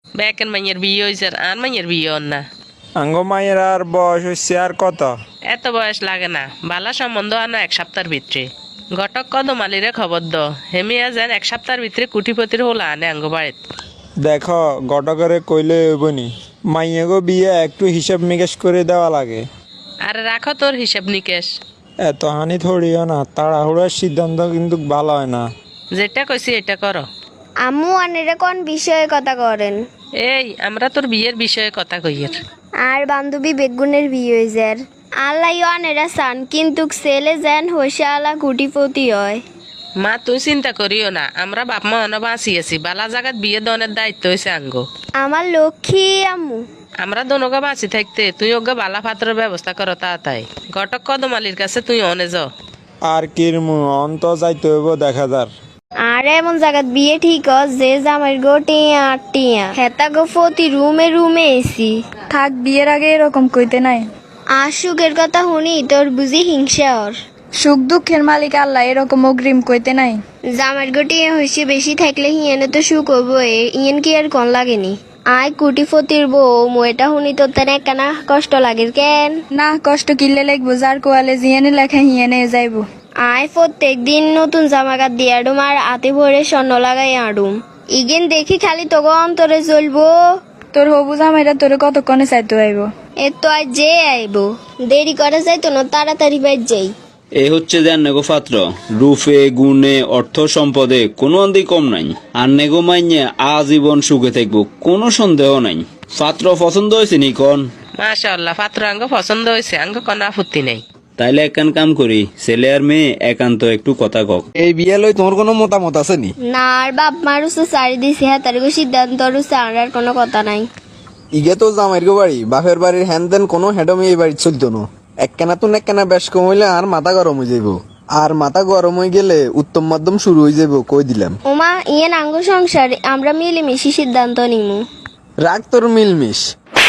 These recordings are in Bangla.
বেকের মাইয়ের বিয়ে হয়েছে আর মাইয়ের বিয়ে হন না। আঙ্গ মায়ের আর বয়স হচ্ছে আর কত? এত বয়স লাগে না, বালা সম্বন্ধ আনো 1 সপ্তাহের ভিতরে। ঘটক কদমালিরে খবর দ, হেমিয়া যেন 1 সপ্তাহের ভিতরে কুটিপতির হলা আনে আঙ্গ বাড়িত। দেখো গটকরে কইলে হইবনি, মাইয়াগো বিয়ে একটু হিসাব নিকেশ করে দেওয়া লাগে। আরে রাখো তোর হিসাব নিকেশ। এত হানি থরিও না, তাড়াহুড়ার সিদ্ধান্ত কিন্তু ভালো হয় না। যেটা কইছি এটা করো। আম্মু আনেরা কোন বিষয়ে কথা করেন? এই আমরা তোর বিয়ের বিষয়ে কথা কইয়ের। আর বান্ধবী বেগুনের বিয়ে হয়েছে। আল্লাহ আনেরা চান কিন্তু ছেলে যেন হোসালা কুটিপতি হয়। মা তুই চিন্তা করিও না, আমরা বাপ মা অন বাঁচি আছি, বালা জাগাত বিয়ে দনের দায়িত্ব হয়েছে আঙ্গ। আমার লক্ষ্মী আম্মু। আমরা দনগা বাঁচি থাকতে তুই ওগা বালা পাত্রের ব্যবস্থা করো তাই। ঘটক কদমালির কাছে তুই অনে যাও। আর কিরমু অন্ত যাইতে হইব দেখা যার। আর এমন জায়গাত বিয়ে ঠিক যে জামাই গো টিয়া টিয়া হেতা গো ফতি রুমে রুমে এসি থাক, বিয়ের আগে এরকম কইতে নাই। আর সুখের কথা শুনি তোর বুঝি হিংসা ওর। সুখ দুঃখের মালিক আল্লাহ, এরকম অগ্রিম কইতে নাই। জামাই গো টিয়া হয়েছে বেশি থাকলে হিয়েনে তো সুখ হবো, ইয়েন কি আর কন লাগেনি। আয় কুটিপতির বউ এটা শুনি তোর তেন একখানা কষ্ট লাগে কেন? না, কষ্ট কিনলে লাগবো, যার কোয়ালে জিয়ানে লেখা হিয়ানে যাইবো। আয় প্রত্যেক দিন নতুন জামা কাপড় দিয়ে আডুম আর আতে ভরে স্বর্ণ লাগাই আডুম। ইগেন দেখি খালি তোকে অন্তরে চলবো। তোর হবু জামাইরা তোরে কতক্ষণে চাইতে আইব? এ তো আজ যে আইব, দেরি করে যাইতো না, তাড়াতাড়ি বাইর যাই। এ হচ্ছে যে নেগো পাত্র, রূপে গুণে অর্থ সম্পদে কোনো অন্দি কম নাই। আর নেগো মাইনে আজীবন সুখে থাকবো, কোনো সন্দেহ নাই। পাত্র পছন্দ হয়েছে নি কন? মাশাআল্লাহ, পাত্র আঙ্গ পছন্দ হয়েছে, আঙ্গ কোনো আপত্তি নেই। তাইলে একখান কাম করি, ছেলে আর মেয়ে একান্ত একটু কথা কক। এই বিয়ে লই তোমার কোনো মতামত আছে নি? না, আর বাপ মার উসে সারি দিছে, হ্যাঁ তার সিদ্ধান্ত উসে আর কোনো কথা নাই। ইগে তো জামাইর গো বাড়ি, বাপের বাড়ির হ্যান দেন কোনো হেডমি এই বাড়ি চলতো না। একখানা তো একখানা বেশ কম হইলে আর মাথা গরম হয়ে যাইব। আর মাথা গরম হয়ে গেলে উত্তম মাধ্যম শুরু হয়ে যাইব, কই দিলাম। ওমা ইয়েন আঙ্গ সংসার আমরা মিলেমিশি সিদ্ধান্ত নিমু। রাগ তোর মিলমিশ,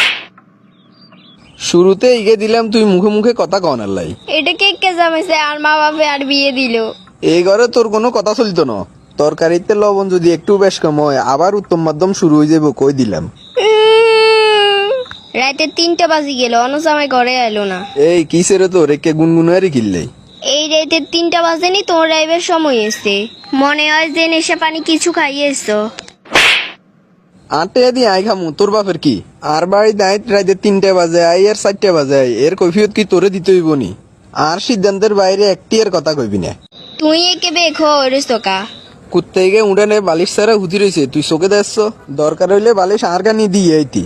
শুরুতে ইগে দিলাম, তুই মুখে মুখে কথা কনার লাই। এটা কে কে জামাইছে আর মা বাপে আর বিয়ে দিল। এই ঘরে তোর কোনো কথা চলতো না। তরকারিতে লবণ যদি একটু বেশ কম হয় আবার উত্তম মাধ্যম শুরু হয়ে যাইব, কই দিলাম। রাতে 3টা বাজি গেল, অন্য জামাই ঘরে এলো না। এই কিসের তো রেখে গুনগুনারি কিনলে? এই রাতে 3টা বাজেনি, তোমার রাইবের সময় এসছে। মনে হয় যে নেশা পানি কিছু খাইয়েছো। আটে দিয়ে আই খামু, তোর বাপের কি? আর বাড়ি দায় রাইতে 3টে বাজে আই আর 4টে বাজে আই, এর কৈফিয়ত কি তোরে দিতে হইব নি? আর সিদ্ধান্তের বাইরে একটি এর কথা কইবি না। তুই একে বেখো রেস্তোকা কুত্তে গিয়ে উড়ানে বালিশ ছাড়া হুতি রয়েছে, তুই চোখে দেখছ? দরকার হইলে বালিশ আর গানি দিয়ে আইতি।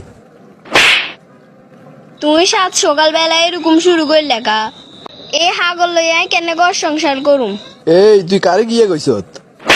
তুই সাত সকালবেলা এরকম শুরু করে লেখা এ হাগল লইয়া কেন ঘর সংসার করুম। এই তুই কারে গিয়ে কইছত?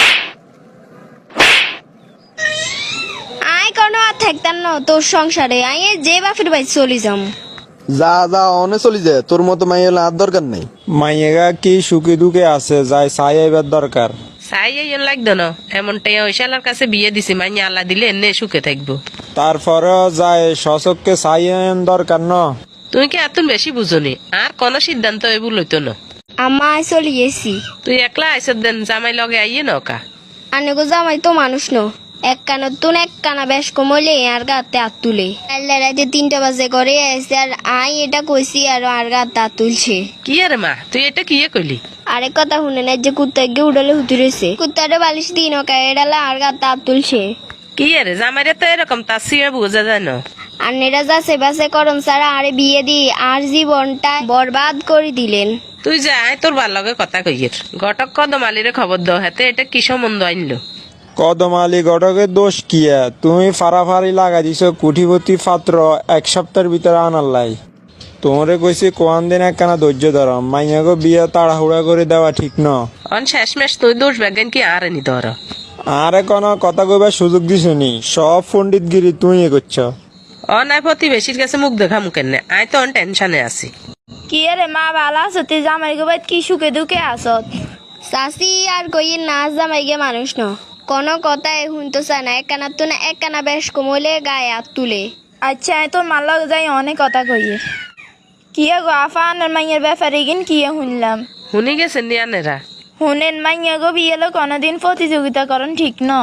আয় কোনো আর থাকতাম না তোর সংসারে, আয় যে বাপের বাড়ি চলি যাম। যা যা অনে চলি যায়, তোর মতো মাই হলে আর দরকার নেই। মাইয়েগা কি সুখে দুঃখে আছে, যাই চাই আইবার দরকার। চাই এই লাগতো না, এমনটাই ওইশালার কাছে বিয়ে দিছি, মাইনে আল্লাহ দিলে এনে সুখে থাকবো। তারপরেও যায় সচককে চাই দরকার ন। তুই কি এত বেশি বুঝনি, আর কোনো সিদ্ধান্ত এবু লইতো না। আমায় চলি গেছি। তুই একলা আইসত দেন, জামাই লগে আইয়ে নকা। আনেগো জামাই তো মানুষ ন, এক কানত তুন এক কানা বেশ কমলে আর গাতে হাত তুলে। আল্লাহ রাতে 3টা বাজে করে আসছে আর আই এটা কইছি আর গাতে হাত তুলছে। কি আরে মা, তুই এটা কি কইলি? আরেক কথা শুনে না, যে কুত্তা গিয়ে উড়ালে হুতি রয়েছে, কুত্তাটা বালিশ দিই নকা এডালা আর গাতে হাত তুলছে। কি আরে জামাইরে তো এরকম তার সিয়া বোঝা যায় না। আর নেরা যাচ্ছে বাসে করম সারা আরে বিয়ে দি আর জীবনটা বরবাদ করে দিলেন। তুই যা, আয় তোর ভাল লগে কথা কইয়ের। ঘটক কদমালিরে খবর দাও, হাতে এটা কি সম্বন্ধ আনলো। কদম আলী ঘটকের দোষ কিয়া? তুমি ফাড়াফাড়ি লাগা দিছ কুঠিপতি পাত্র 1 সপ্তাহের ভিতরে আনার লাই। তোমরে কইছি কোয়ান দিন একখানা ধৈর্য ধরো, মাইয়াগো বিয়ে তাড়াহুড়া করে দেওয়া ঠিক ন। অন শেষমেশ তুই দোষ বেগেন কি আর নি ধর। আরে কোনো কথা কইবার সুযোগ দিছ নি, সব পণ্ডিতগিরি তুই করছ। অনায় প্রতিবেশীর কাছে মুখ দেখা মুখেন না, আয় তো অন টেনশনে আছি। কি রে মা, ভালো আছো? তুই জামাই গো বাইত কি সুখে দুঃখে আসত? চাষি আর কইয়ে নাচ জামাই গে মানুষ ন, কোনো কথা শুনতে চায় না। একখানা তো না একখানা বেশ কমলে গায়ে হাত তুলে। আচ্ছা, আমি তোর মার লগে যাই অনেক কথা কইয়ে। কিয়া গো আফা আনার মাইয়ের ব্যাপারে কিন কিয়া শুনলাম। শুনি গেছেন নিয়ানেরা? শুনেন মাইয়া গো বিয়েলো কোনোদিন প্রতিযোগিতা করন ঠিক ন।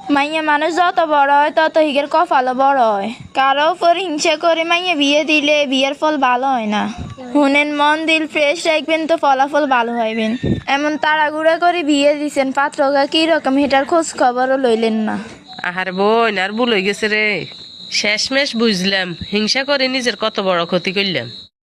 মাইয়া মানুষ যত বড় হয় তত হিগের কপালও বড় হয়। কারো উপর হিংসা করে মাইয়া বিয়ে দিলে বিয়ের ফল ভালো হয় না। শুনেন, মন দিল ফ্রেশ রাখবেন তো ফলাফল ভালো হইবেন। এমন তাড়াগুড়া করে বিয়ে দিছেন, পাত্রগা কি রকম হেটার খোঁজ খবরও লইলেন না। আহার বোন, আর ভুল হয়ে গেছে রে। শেষমেশ বুঝলাম হিংসা করে নিজের কত বড় ক্ষতি করলাম।